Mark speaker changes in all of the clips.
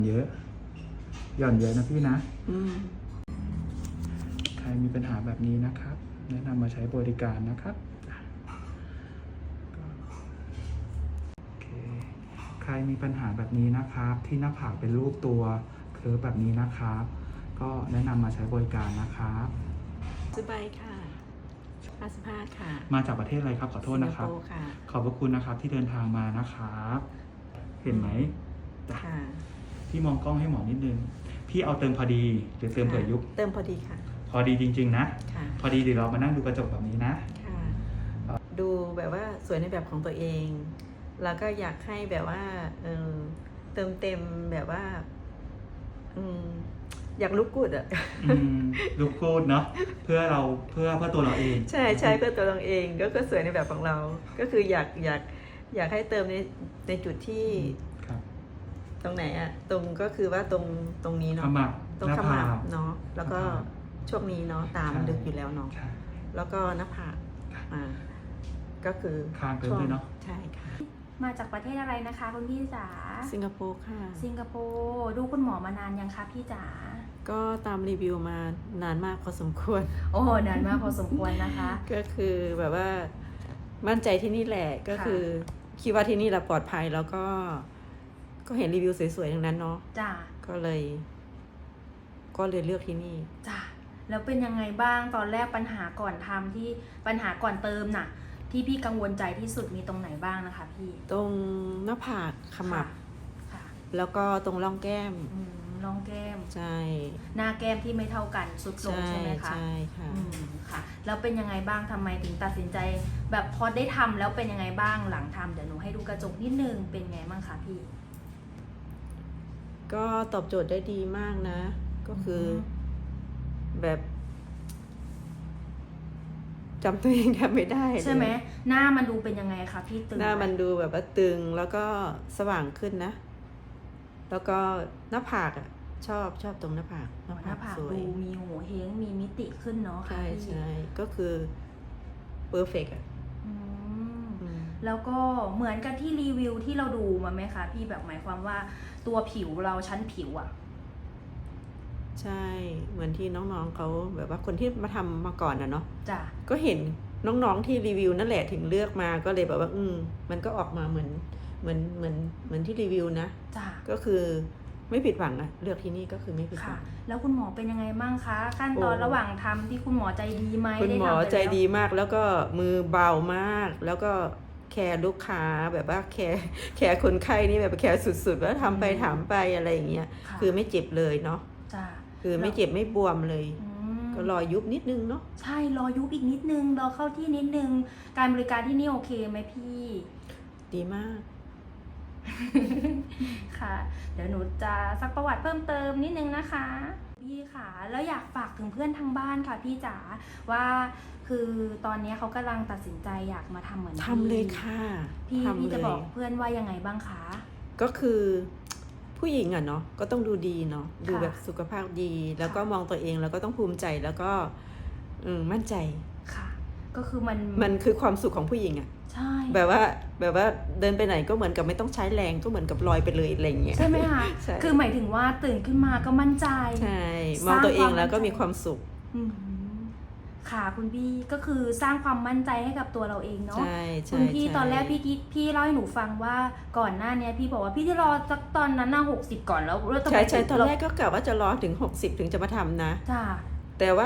Speaker 1: เยอะหย่อนเยอะนะพี่นะใครมีปัญหาแบบนี้นะครับแนะนำมาใช้บริการนะครับโอเคใครมีปัญหาแบบนี้นะครับที่หน้าผากเป็นรูปตัวเคิร์ฟแบบนี้นะครับก็แนะนำมาใช้บริการนะครับ
Speaker 2: สบายค่ะ55ค่ะ
Speaker 1: มาจากประเทศอะไรครับขอโทษนะครับขอบพระคุณนะครับที่เดินทางมานะครับเห็นไหม
Speaker 2: ค่ะ
Speaker 1: พี่มองกล้องให้หมอนิดนึงพี่เอาเติมพอดีหรือเติมเผื่อยุบ
Speaker 2: เติมพอดีค่ะ
Speaker 1: พอดีจริงๆนะพอดีเดี๋ยวเรามานั่งดูกระจกแบบนี้นะ
Speaker 2: ดูแบบว่าสวยในแบบของตัวเองแล้วก็อยากให้แบบว่าเติมเต็มแบบว่าอยากลุกกูดอะ
Speaker 1: ลุกกูดเนาะเพื่อตัวเราเอง
Speaker 2: ใช่เพื่อตัวเราเองก็สวยในแบบของเราก็คืออยากให้เติมในจุดที่ตรงไหนอะตรงก็คือว่าตรงนี้เนาะตรงขมับเนาะแล้วก็ช่วงนี้เนาะตามลึกอยู่แล้วเนาะแล้วก็หน้าผากก็คือ
Speaker 1: คางเติมด้วยเนาะ
Speaker 2: ใช่ค่ะ
Speaker 3: มาจากประเทศอะไรนะคะคุณพี่จ๋า
Speaker 2: สิงคโปร์ค่ะ
Speaker 3: สิงคโปร์ดูคุณหมอมานานยังคะพี่จ๋า
Speaker 2: ก็ตามรีวิวมานานมากพอสมควร
Speaker 3: โอ้นานมากพอสมควรนะคะ
Speaker 2: ก็คือแบบว่ามั่นใจที่นี่แหละก็คือคิดว่าที่นี่เราปลอดภัยแล้วก็เห็นรีวิวสวยๆทั้งนั้นเนาะ
Speaker 3: จ้า
Speaker 2: ก็เลยเลือกที่นี่
Speaker 3: จ้าแล้วเป็นยังไงบ้างตอนแรกปัญหาก่อนทำที่ปัญหาก่อนเติมน่ะที่พี่กังวลใจที่สุดมีตรงไหนบ้างนะคะพี่
Speaker 2: ตรงหน้าผากขมับแล้วก็ตรงร่องแก้ม
Speaker 3: ร่องแก้ม
Speaker 2: ใช่
Speaker 3: หน้าแก้มที่ไม่เท่ากันสุดลงใช่ไหมคะ
Speaker 2: ใช่ค่ะ
Speaker 3: ค่ะแล้วเป็นยังไงบ้างทำไมถึงตัดสินใจแบบพอได้ทำแล้วเป็นยังไงบ้างหลังทำเดี๋ยวหนูให้ดูกระจกนิดนึงเป็นไงบ้างคะพี่
Speaker 2: ก็ตอบโจทย์ได้ดีมากนะก็คือแบบจำตัวเองแทบไม่ได้
Speaker 3: ใช่ไหมหน้ามันดูเป็นยังไงคะพี่ตึง
Speaker 2: หน้ามันดูแบบว่าตึงแล้วก็สว่างขึ้นนะแล้วก็หน้าผากอ่ะชอบตรงหน้าผาก
Speaker 3: ดูมีโหเฮงมีมิติขึ้นเนาะ
Speaker 2: ใช่ก็คือเพอร์เฟกต์อ่ะ
Speaker 3: แล้วก็เหมือนกันที่รีวิวที่เราดูมาไหมคะพี่แบบหมายความว่าตัวผิวเราชั้นผิวอ่ะ
Speaker 2: ใช่เหมือนที่น้องๆเขาแบบว่าคนที่มาทำมาก่อนนะเนาะ
Speaker 3: จ้ะ
Speaker 2: ก็เห็นน้องๆที่รีวิวนั่นแหละถึงเลือกมาก็เลยแบบว่ามันก็ออกมาเหมือนที่รีวิวนะ
Speaker 3: จ้ะ
Speaker 2: ก็คือไม่ผิดหวังอะเลือกที่นี่ก็คือไม่ผิดหวัง
Speaker 3: แล้วคุณหมอเป็นยังไงบ้างคะขั้นตอนระหว่างทำที่คุณหมอใจดีไหม
Speaker 2: คุณหมอใจดีมากแล้วก็มือเบามากแล้วก็แคร์ลูกค้าแบบว่าแคร์คนไข้นี่แบบแคร์สุดๆว่าทำไปถามไปอะไรอย่างเงี้ยคือไม่เจ็บเลยเนาะคือไม่เจ็บไม่บวมเลยก็รอยุบนิดนึงเนาะ
Speaker 3: ใช่รอยุบอีกนิดนึงรอเข้าที่นิดนึงการบริการที่นี่โอเคไหมพี่
Speaker 2: ดีมาก
Speaker 3: ค่ะเดี๋ยวหนูจะซักประวัติเพิ่มเติมนิดนึงนะคะพี่ค่ะแล้วอยากฝากถึงเพื่อนทางบ้านค่ะพี่จ๋าว่าคือตอนนี้เขากำลังตัดสินใจอยากมาทำเหมือน
Speaker 2: ทำเลยค่ะ
Speaker 3: พี่จะบอกเพื่อนว่ายังไงบ้างคะ
Speaker 2: ก็คือผู้หญิงอะเนาะก็ต้องดูดีเนาะดูแบบสุขภาพดีแล้วก็มองตัวเองแล้วก็ต้องภูมิใจแล้วก็มั่นใจ
Speaker 3: ค่ะก็คือ
Speaker 2: มันคือความสุขของผู้หญิงอะ
Speaker 3: ใช่
Speaker 2: แบบว่าเดินไปไหนก็เหมือนกับไม่ต้องใช้แรงก็เหมือนกับลอยไปเลยอะไรอย่างเงี้ย
Speaker 3: ใช่ไหมคะคือหมายถึงว่าตื่นขึ้นมาก็มั่นใจ
Speaker 2: ใช่มองตัวเองแล้วก็มีความสุข
Speaker 3: ค่ะคุณพี่ก็คือสร้างความมั่นใจให้กับตัวเราเองเนาะ
Speaker 2: คุณ
Speaker 3: พี่ตอนแรกพี่เล่าให้หนูฟังว่าก่อนหน้านี้พี่บอกว่าพี่จะรอสักตอนนั้น60ก่อนแล้ว
Speaker 2: ใช่ตอนแรกก็กะว่าจะรอถึง60ถึงจะมาทำนะ
Speaker 3: จ้า
Speaker 2: แต่ว่า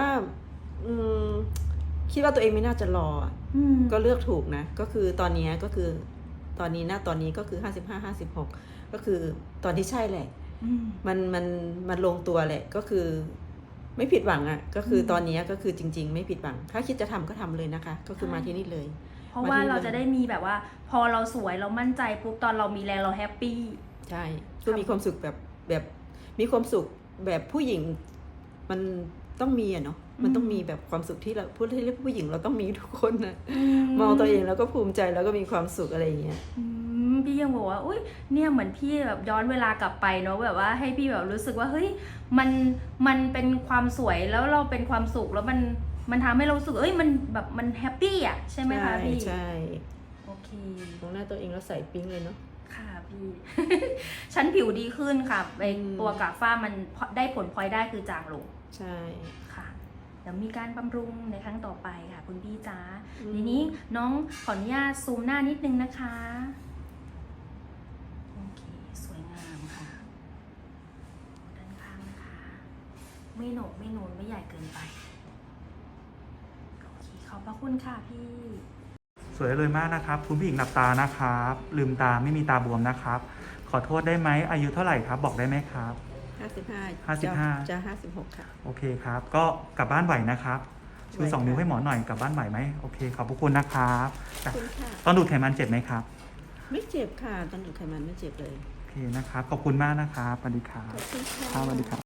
Speaker 2: คิดว่าตัวเองไม่น่าจะรอก็เลือกถูกนะก็คือตอนนี้ก็คือตอนนี้ก็คือ55-56ก็คือตอนที่ใช่แหละมันลงตัวแหละก็คือไม่ผิดหวังอ่ะก็คือตอนนี้ก็คือจริงๆไม่ผิดหวังถ้าคิดจะทำก็ทำเลยนะคะก็คือมาที่นี่เลย
Speaker 3: เพราะว่าเราจะได้มีแบบว่าพอเราสวยเรามั่นใจปุ๊บตอนเรามีแรงเราแฮปปี้
Speaker 2: ใช่ก็มีความสุขแบบมีความสุขแบบผู้หญิงมันต้องมีอะเนาะมันต้องมีแบบความสุขที่เราพูดให้เรียกผู้หญิงเราต้องมีทุกคนนะมองตัวเองแล้วก็ภูมิใจแล้วก็มีความสุขอะไรอย่างเงี้ย
Speaker 3: พี่ยังบอกว่าอุ้ยเนี่ยเหมือนพี่แบบย้อนเวลากลับไปเนาะแบบว่าให้พี่แบบรู้สึกว่าเฮ้ยมันเป็นความสวยแล้วเราเป็นความสุขแล้วมันทำให้เรารู้สึกมันแบบมันแฮปปี้อ่ะใช่ไหมคะพี่
Speaker 2: ใช่
Speaker 3: โอเค
Speaker 2: มองหน้าตัวเองแล้วใส่ปิ๊งเลยเนาะ
Speaker 3: ค่ะพี่ ชั้นผิวดีขึ้นค่ะไอตัวกากฝ้ามันได้ผลพลอยได้คือจางลง
Speaker 2: ใช่
Speaker 3: ค่ะเดี๋ยวมีการบำรุงในครั้งต่อไปค่ะคุณพี่จ๋า
Speaker 2: อืม
Speaker 3: ทีนี้น้องขออนุญาตซูมหน้านิดนึงนะคะ โอเค สวยงามค่ะด้านข้างนะคะ ไม่โหนกไม่นูนไม่ใหญ่เกินไป โอเค ขอบพระคุณค่ะพี่
Speaker 1: สวยเลยมากนะครับคุณผู้หญิงหลับตานะครับ ลืมตาไม่มีตาบวมนะครับ ขอโทษได้ไหมอายุเท่าไหร่ครับ บอกได้ไหมครับ
Speaker 2: 55
Speaker 1: 55
Speaker 2: จะ56 ค่ะ
Speaker 1: โอเคครับ ก็กลับบ้านไหวนะครับชู
Speaker 2: ไหว
Speaker 1: 2 นิ้ว
Speaker 2: ค่ะ
Speaker 1: ให้หมอหน่อยกลับบ้านไหวไหมโอเคขอบพระคุณนะครับ
Speaker 2: ขอบคุณค่ะ
Speaker 1: ตอนดูดไขมันเจ็บไหมครับ
Speaker 2: ไม่เจ็บค่ะตอนดูดไขมันไม่เจ็บเลย
Speaker 1: โอเคนะครับขอบคุณมากนะครับสวัสดีครับ
Speaker 2: ขอบคุณค่ะ
Speaker 1: ครับสวัสดีครับ